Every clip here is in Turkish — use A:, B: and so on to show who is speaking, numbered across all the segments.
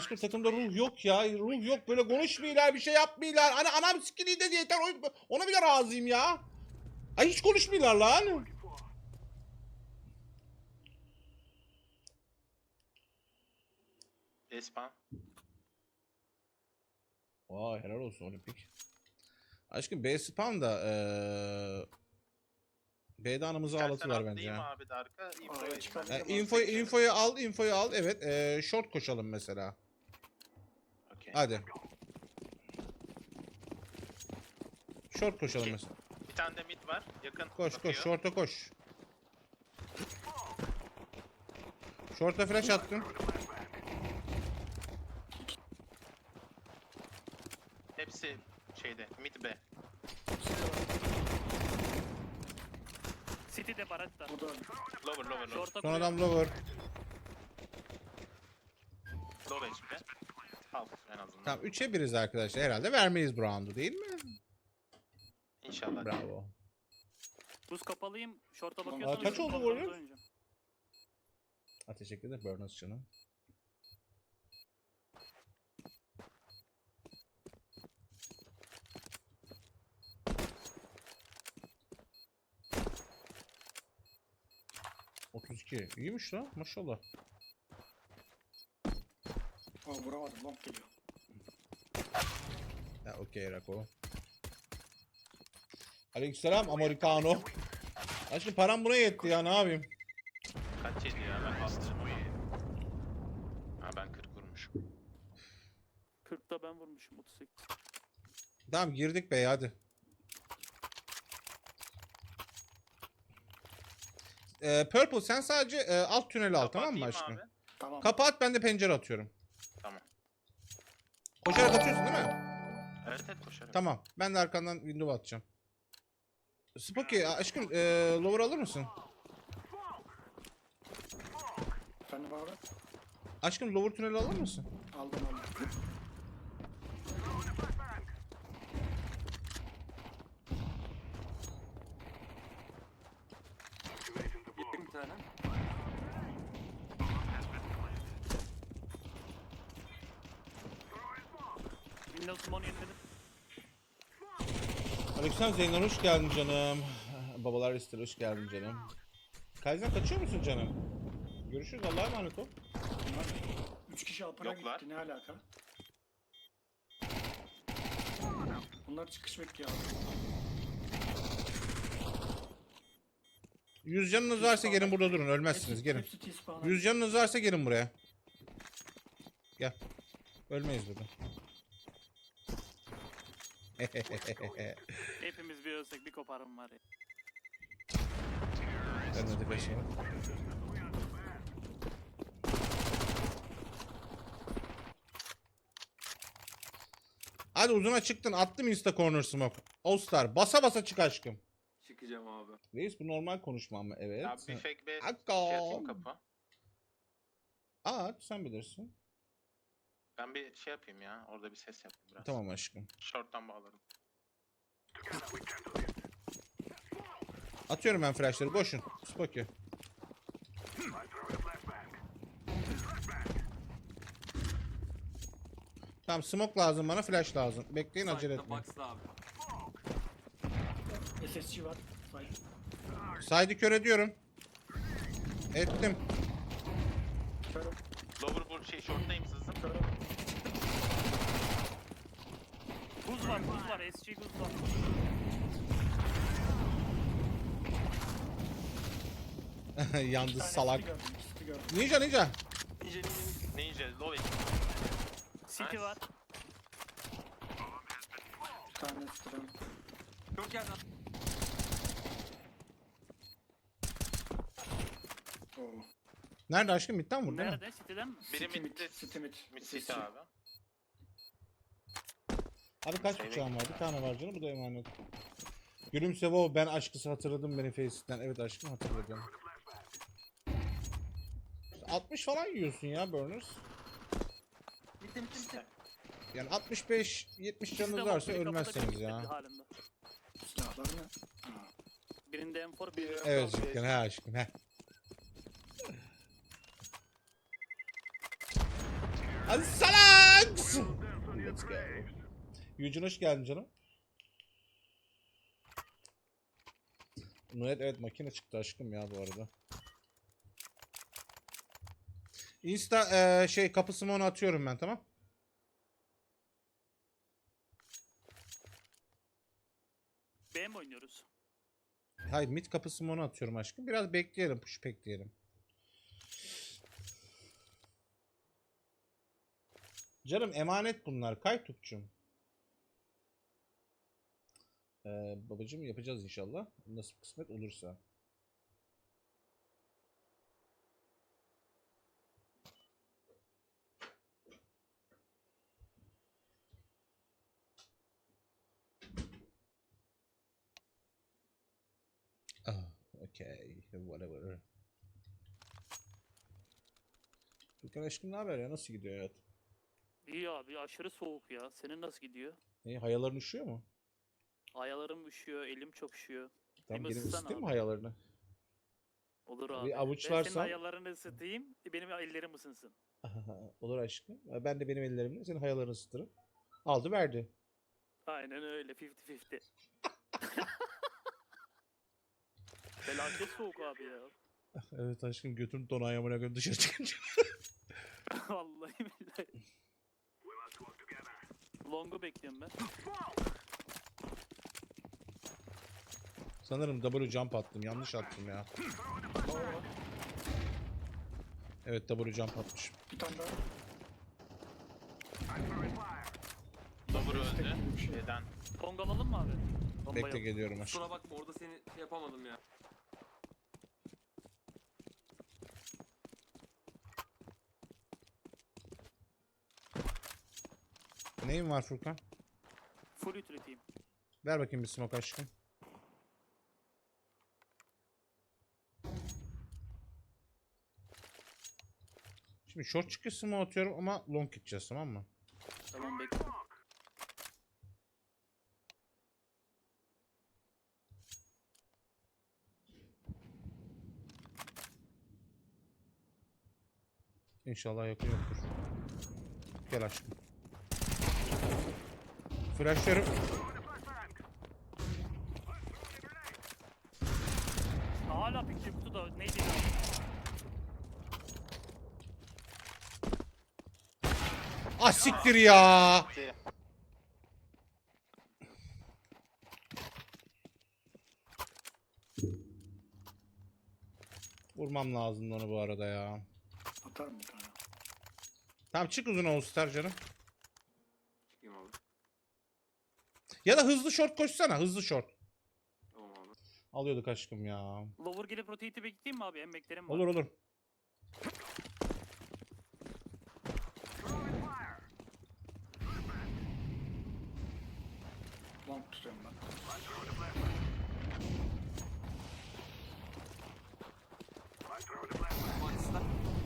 A: Başka takımda ruh yok ya. Ruh yok. Böyle konuşmuyorlar, bir şey yapmıyorlar. Hani anam sikiliği de yeter. Ona bile razıyım ya. Ay hiç konuşmuyorlar lan.
B: Espan.
A: Vay helal olsun Olimpik. Aşkım B spam da B'de anımızı
B: İstersen
A: ağlatıver bence
B: atlayayım
A: ya.
B: abi de arka.
C: Araya çıkalım.
A: Infoyu al. Evet. Short koşalım mesela.
B: Okay.
A: Hadi. Short koşalım mesela.
B: Bir tane de mid var. Yakın.
A: Koş
B: bakıyor.
A: koş. Short'a koş. Short'a flash attım.
B: Hepsi şeyde. Mid B.
C: City'de baratta.
D: O da
B: Lower.
C: Short'a
A: Son adam lower.
B: Low HP. Half en azından.
A: Tamam 3'e 1'iz arkadaşlar. Herhalde vermeyiz bu round'u değil mi?
B: İnşallah.
A: Bravo.
C: buz kapalıyım. Short'a
D: Aa,
C: bakıyorsanız.
A: kaç oldu
C: short'a
A: bu oyun?
C: oynayacağım.
A: Ha, teşekkür ederim Burners canım. ...32. İyiymiş lan maşallah.
D: vuramadım, long geliyor.
A: Ya okey Rako. Aleykümselam Americano. Aşkım param buna yetti ya, ne yapayım?
B: Kaç yedi ya? Ben bastım. Ha ben 40 vurmuşum.
C: 40'ta ben vurmuşum 38.
A: Tamam girdik be hadi. Purple sen sadece alt tüneli al, tamam mı
B: Kapatayım
A: aşkım?
B: abi.
D: Tamam.
A: Kapat, ben de pencere atıyorum.
B: Tamam.
A: Koşarak atıyorsun değil mi?
B: Evet koşarım.
A: Tamam. Ben de arkandan window atacağım. Spooky aşkım lower alır mısın?
D: Efendim abi.
A: Aşkım lower tüneli alır mısın?
D: Aldım.
C: Yedim bir tane. Windows Money yeniledim.
A: Aleykümselam Zeynep, hoş geldin canım. Babalar ister, hoş geldin canım. Kaizen kaçıyor musun canım? Görüşürüz, Allah'a emanet ol.
D: Bunlar 3 kişi apara
B: Yoklar.
D: gitti, ne alaka? Bunlar çıkış bekliyor abi.
A: 100 canınız varsa gelin burada durun, ölmezsiniz, gelin.
D: Hepsi T-spawn'a.
A: 100 canınız varsa gelin buraya. Gel. Ölmeyiz burada.
C: Hepimiz bir ölsek bir koparım var ya.
A: Ben de kaçayım. Hadi uzuna çıktın, attım insta corner smoke. All star basa basa çık aşkım.
E: Çıkacağım abi.
A: Reis bu normal konuşma ama evet.
B: Abi bir fake B
A: Hakka.
B: şey atayım kapı.
A: At sen bilirsin.
B: Ben bir şey yapayım ya. Orada bir ses yapayım biraz.
A: Tamam aşkım.
B: Short'tan bağlarım.
A: Atıyorum ben flashları, koşun. Spooky. Tamam smoke lazım bana, flash lazım. Bekleyin, acele
E: Side'da
A: etmeyin.
E: box'ta abi.
D: SSG var. Side.
A: Side'ı kör ediyorum. Ettim.
D: Körüm.
B: Lower vur şey short'tayım sızdım.
D: Körüm.
C: Buz var, SG buz var.
A: Yalnız
D: Bir tane
A: salak.
D: City gördüm, City gördüm.
A: Ninja.
E: Ninja.
B: Ninja low HP.
C: City
B: Nice.
C: var.
D: Bir tane City'den.
E: Çok yerden.
D: Oo.
A: Nerede aşkım? Midden vurdu değil mi?
C: Nerede? City'den mi?
B: Biri
D: City
B: midde.
D: City mid.
B: Mid
D: SSG.
B: city abi.
A: Abi kaç bıçağım var? Bir tane var canım, bu da emanet. Gülümse wow, ben aşkısı hatırladım beni Face'den. Evet aşkım, hatırladım. 60 falan yiyorsun ya Burners.
E: Bitti.
A: Yani 65-70 canınız varsa ölmezseniz ya.
C: Halinde.
D: Silahlarını.
C: Birinde M4, birinde
A: Evet cidden, he aşkım he. Hadi salaks. Let's go. Yücün hoş geldin canım. Evet makine çıktı aşkım ya bu arada. Insta kapısını onu atıyorum ben, tamam.
C: B mi oynuyoruz?
A: Hayır, mid kapısını onu atıyorum aşkım. Biraz bekleyelim, push bekleyelim. Canım emanet bunlar Kaytukçum. Babacım yapacağız inşallah. Nasıl kısmet olursa. Okay, whatever. Furkan aşkım ne haber ya? Nasıl gidiyor hayat?
C: İyi abi aşırı soğuk ya. Senin nasıl gidiyor?
A: Hayaların üşüyor mu?
C: Ayaklarım üşüyor, elim çok üşüyor.
A: Tamam,
C: Bir
A: gelin
C: ısıtsana
A: ısıtayım mı
C: abi.
A: hayalarını?
C: Olur
A: Bir
C: abi. Ben
A: avuçlarsan-
C: senin ayaklarını ısıtayım, benim ellerim ısınsın.
A: Olur aşkım. Ben de benim ellerimle senin hayalarını ısıtırım. Aldı verdi.
C: Aynen öyle 50-50. Felaket soğuk abi ya.
A: Evet aşkım, götürün don ayağımına göre dışarı çıkınca.
C: Vallahi billahi. Long'u bekliyorum ben.
A: Sanırım W jump attım. Yanlış attım ya. Evet, W jump atmışım.
D: Bir tane daha.
B: Double
D: Destek
B: öldü.
D: gibi bir şey.
B: Neden?
C: Long alalım mı abi? Bomba
A: Bekle
C: yok.
A: geliyorum aşkım.
E: Kusura bakma orada seni şey yapamadım ya.
A: Neyin var Furkan?
C: Full utilitiyim.
A: Ver bakayım bir smoke aşkım. Şimdi short çıkıyor smoke atıyorum ama long gideceğiz, tamam mı?
C: Tamam bekle.
A: İnşallah yakın yoktur. Gel aşkım. Flashlıyorum.
C: Hala picture kutu da neydi ya?
A: Ah siktir ya. Vurmam lazım onu bu arada ya.
D: Atarım bir tane.
A: Tamam, çık uzun ol Star canım.
E: Çıkayım abi.
A: Ya da hızlı short koşsana, hızlı short.
E: Tamam abi.
A: Alıyorduk aşkım ya.
C: Lower gelip rotate'i bekleyeyim mi abi? Hem beklerim var.
A: Olur olur.
D: Long tutuyorum ben.
E: Manchester.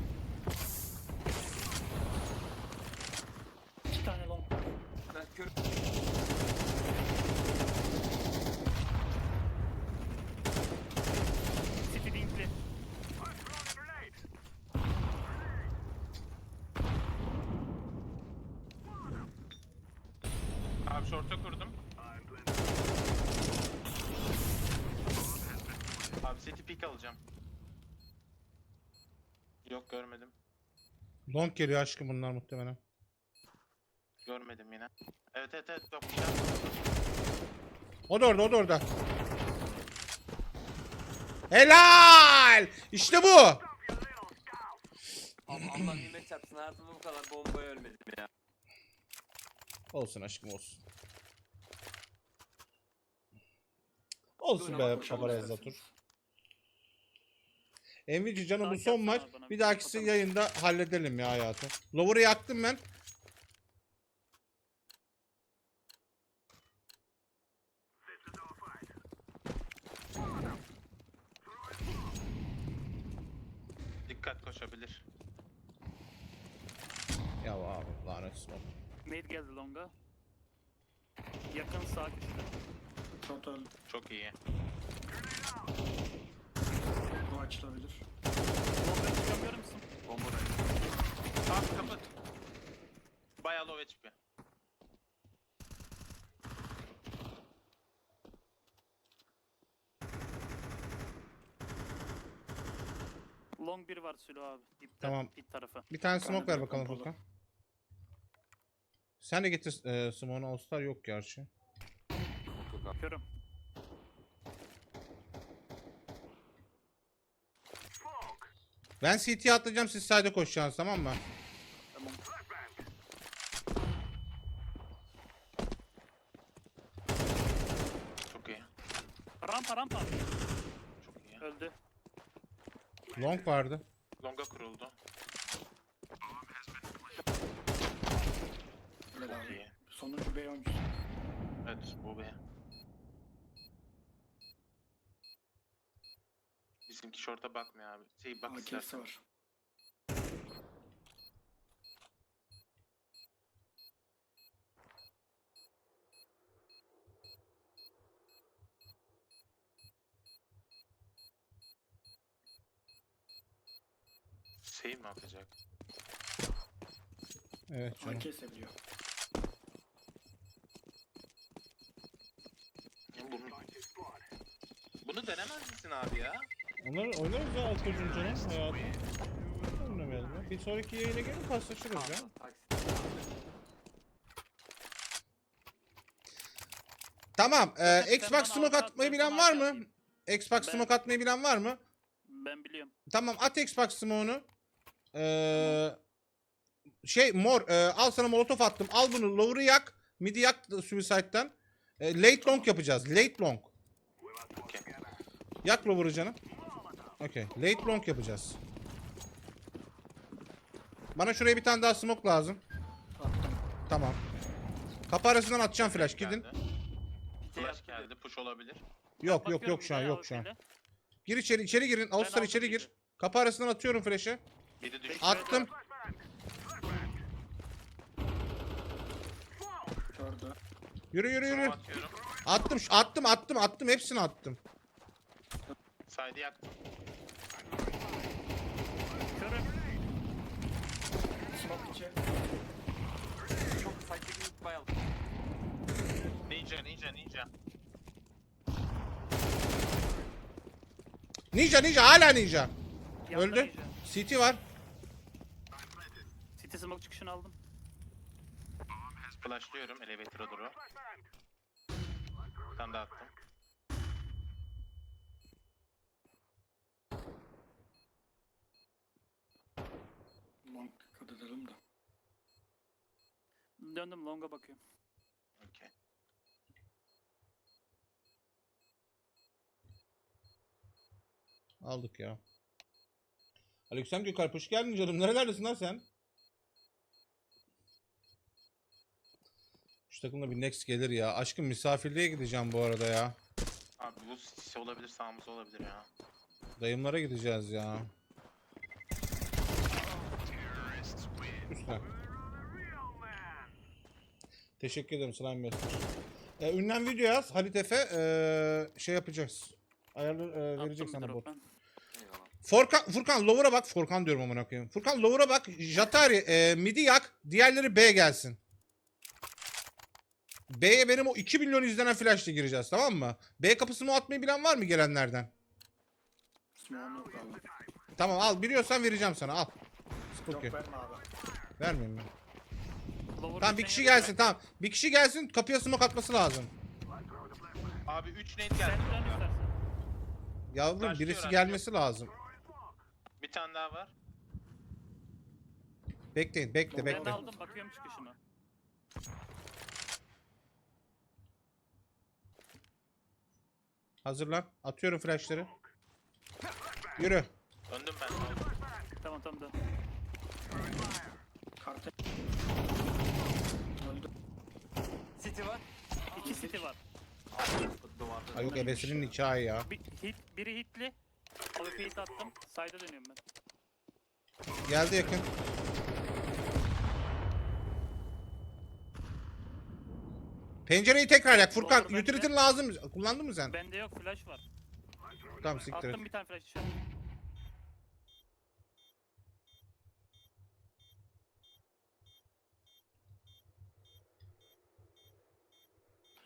C: 2 tane long.
E: Ben kör.
C: City linkli.
B: Abi short'a kurdum. Abi city pick alacağım. Yok görmedim.
A: Long geliyor aşkım bunlar muhtemelen.
B: Görmedim yine. Evet yok.
A: O da orada, o da orada. Helal! İşte bu.
E: Allah nimet çarpsın, hayatımda bu kadar bombaya ölmedim ya.
A: Olsun aşkım, olsun. Olsun
D: Buyurun,
A: be
D: koşalım
A: Paparazzi
D: isterseniz.
A: Zatur. Envici canım, bu
C: Takip
A: son
C: etsene
A: maç.
C: abi bana,
A: Bir
C: bir
A: dahakisi
C: bakalım.
A: yayında halledelim ya hayatım. Lower'ı yaktım ben.
B: Dikkat koşabilir.
A: Ya abi lanet olsun.
C: Nade geldi long'a. Yakın sağ köşede.
D: Short öldü.
B: Çok iyi.
D: Bu açılabilir.
C: Long'a çıkamıyor musun?
E: Bomba da.
B: Abi kapat. Bayağı low HP.
C: Long bir var Sülo abi. Dipte,
A: Tamam.
C: Dip tarafı.
A: Bir tane
D: Bir tane
A: smoke ver
D: de
A: bakalım
D: pompalı.
A: Furkan. Sen de getir smoke'unu. All-Star yok gerçi.
E: Yok abi.
C: Körüm.
A: Ben CT'ye atlayacağım, siz side'e koşacaksınız, tamam mı?
C: Tamam.
B: Çok iyi.
C: Rampa.
B: Çok iyi.
C: Öldü.
A: Long vardı.
B: Longa kuruldu.
D: Öyle
B: Çok
D: abi.
B: iyi.
D: Sonuncu B oyuncusu.
B: Evet bu be. Bizimki short'a bakmıyor abi. Bak
D: AK'si
B: istersen.
D: var.
B: Save mi atacak?
A: Evet canım.
D: AK seviyor.
B: Ya bunu denemez misin abi ya?
A: Onları oynarız ya Alkoç'un canım hayatım. Oynamayalım ya. Bir sonraki yayına gelin paslaşırız ya.
E: Taksi.
A: Tamam.
C: Sen
A: Xbox
C: bana
A: smoke
C: altı
A: atmayı
C: at,
A: bilen
C: ben
A: var
C: sana
A: mı?
C: atayım.
A: Xbox
C: Ben-
A: smoke atmayı bilen var mı?
C: Ben biliyorum.
A: Tamam, at Xbox smoke'unu. Mor, al sana molotof attım. Al bunu, lower'ı yak. Mid'i yak suicide'den. Late long yapacağız. Late long.
B: Okey.
A: Yak lower'ı canım. Okey. Late long yapacağız. Bana şuraya bir tane daha smoke lazım.
D: Attım.
A: Tamam. Kapı arasından atacağım flash, gidin.
B: Geldi. Flash geldi. Push olabilir.
A: Yok
C: Bakıyorum
A: şu an,
C: bir de
A: yok şu an.
C: AWP'yle.
A: Gir içeri girin. All-Star
C: aldım
A: içeri gir.
C: midi.
A: Kapı arasından atıyorum flash'ı.
B: 7 düştü.
A: Attım.
D: Gördü.
A: Yürü.
B: Atıyorum.
A: Attım. Hepsini attım.
B: Side'i yaktım.
C: Körüm.
D: Smoke içi.
E: Çok saçma bir bayıldı.
B: Ninja.
A: Ninja hala ninja.
C: Yanında
A: Öldü.
C: Ninja.
A: CT var.
C: City smoke çıkışını aldım.
B: Flashlıyorum elevator'a doğru. Bir tane daha attım.
D: Long dikkat edelim de.
C: Döndüm long'a bakıyorum.
B: Okey.
A: Aldık ya. Aleksem Gökalp, hoş geldin canım. Nerelerdesin lan sen? Şu takımda bir next gelir ya. Aşkım misafirliğe gideceğim bu arada ya.
B: Abi bu sisi olabilir, sağımız olabilir ya.
A: Dayımlara gideceğiz ya. Üstüne. Teşekkür ederim Slime Master. Ünlem video yaz. Halit Efe şey yapacağız. Ayarlı verecek
C: Attım
A: sana
C: bir
A: bot.
E: Eyvallah.
C: drop ben.
A: Furkan lower'a bak. Furkan diyorum amına koyayım. Furkan lower'a bak. Jatari midi yak. Diğerleri B gelsin. B'ye benim o 2 milyon izlenen flash'la gireceğiz, tamam mı? B kapısını atmayı bilen var mı gelenlerden?
D: Smoke'um yok abi.
A: Tamam, al, biliyorsan vereceğim sana, al.
D: Yok
A: Spooky.
D: verme abi.
A: Vermeyeyim ben.
C: Lower
A: Tamam, bir
C: sen
A: kişi
C: yapıyorsun.
A: gelsin, tamam. Bir kişi gelsin, kapıya smoke atması lazım.
B: Abi 3 nade
C: Sen
B: geldi.
C: dön istersen.
A: Yavrum,
B: Başlıyor,
A: birisi
B: başlıyor.
A: gelmesi lazım.
B: Bir tane daha var.
A: Bekleyin,
C: Ben
A: bekle.
C: aldım bakıyorum çıkışını.
A: Hazırlan. Atıyorum flashları. Yürü.
B: Döndüm ben.
C: Tamam dön.
D: Karte. Öldü.
E: City var.
C: İki city var.
E: Duvarda.
A: Ay yok, ebesinin nikahı ya.
C: Biri hitli. AWP hit attım. Side'a dönüyorum ben.
A: Geldi yakın. Pencereyi tekrar yak. Furkan,
C: Doğru, bence.
A: utility'nin lazım. Kullandın mı sen?
C: Bende yok flash var.
A: Tamam, siktir et.
C: Attım bir tane flash dışarı.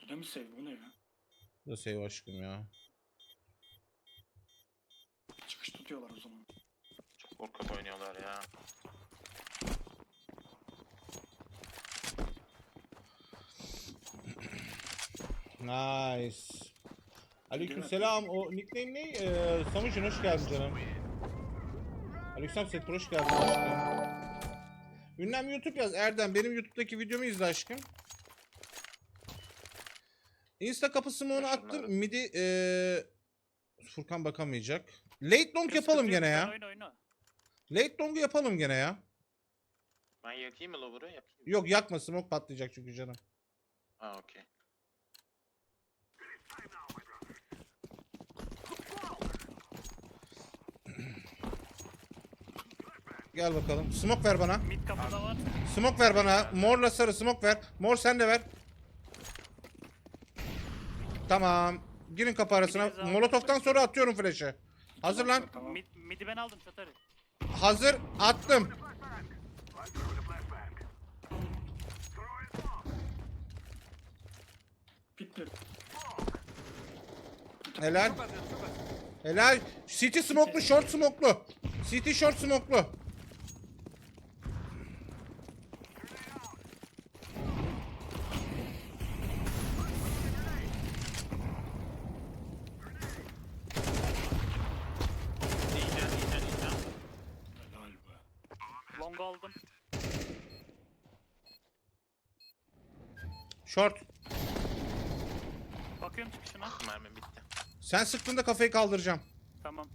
D: Yine mi save? Bu ne ya?
A: Bu da save aşkım ya.
D: Çıkış tutuyorlar o zaman.
B: Çok korkak oynuyorlar ya.
A: Nice. Aleykümselam. O nickname ne? Samucun hoş geldin canım. Aleykümselam Settur hoş geldin aşkım. Ünlem YouTube yaz Erdem. Benim YouTube'daki videomu izle aşkım. Insta kapısı mı onu attım. Midi Furkan bakamayacak. Late long yapalım gene ya.
C: Oyna.
A: Late long'u yapalım gene ya.
B: Ben yakayım mı lover'ı? Yakayım mı?
A: Yok yakma, smoke patlayacak çünkü canım.
B: Ha okey.
A: Gel bakalım. Smoke ver bana.
C: Mid kapıda var.
A: Smoke ver bana. Morla sarı smoke ver. Mor sen de ver. Tamam. Girin kapı arasına. Molotof'tan sonra atıyorum flash'ı. Hazır lan.
D: Tamam.
C: Mid'i ben aldım Çatarı.
A: Hazır. Attım.
D: Bitti.
A: Helal.
E: Çok az çok az.
A: Helal. City smoke'lu, short smoke'lu. City short smoke'lu.
B: Diyeceğim.
D: Helal be.
C: Long aldım.
A: Short.
C: Bakıyorum çıkışına.
B: Mermim bitti.
A: Sen sıktığında kafayı kaldıracağım.
C: Tamam.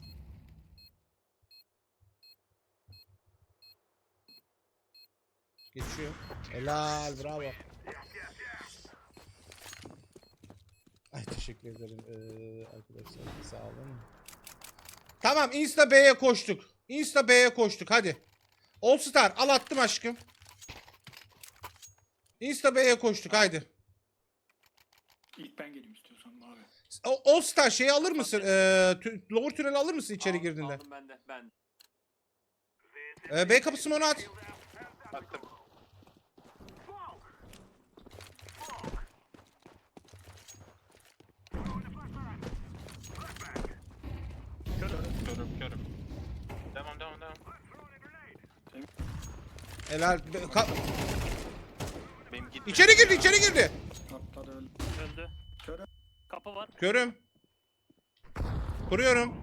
A: Geçiyor. Helal. Bravo. Ay teşekkür ederim arkadaşlar. Sağ olun. Tamam, Insta B'ye koştuk. Insta B'ye koştuk hadi. All Star al attım aşkım. Insta B'ye koştuk haydi.
D: İlk ben geleyim istiyorsan abi.
A: All Star şeyi alır mısın? Lower tüneli alır mısın içeri girdiğinde?
E: Aldım ben de. Ben.
A: B kapısını ona at.
B: Baktım. Körüm. Devam.
A: Helal.
B: Benim gitti.
A: İçeri girdi.
D: Atladı öldü.
C: Öldü.
D: Körüm.
C: Kapı var.
A: Körüm. Kuruyorum.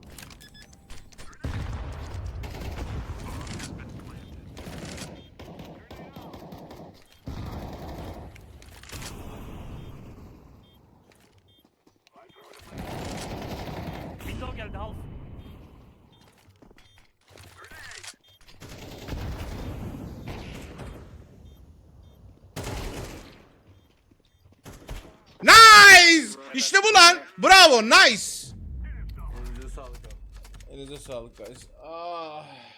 C: Window geldi half.
A: Nice! İşte bu lan. Bravo, nice.
E: Elinize sağlık abi.
A: Elinize sağlık guys. Ah.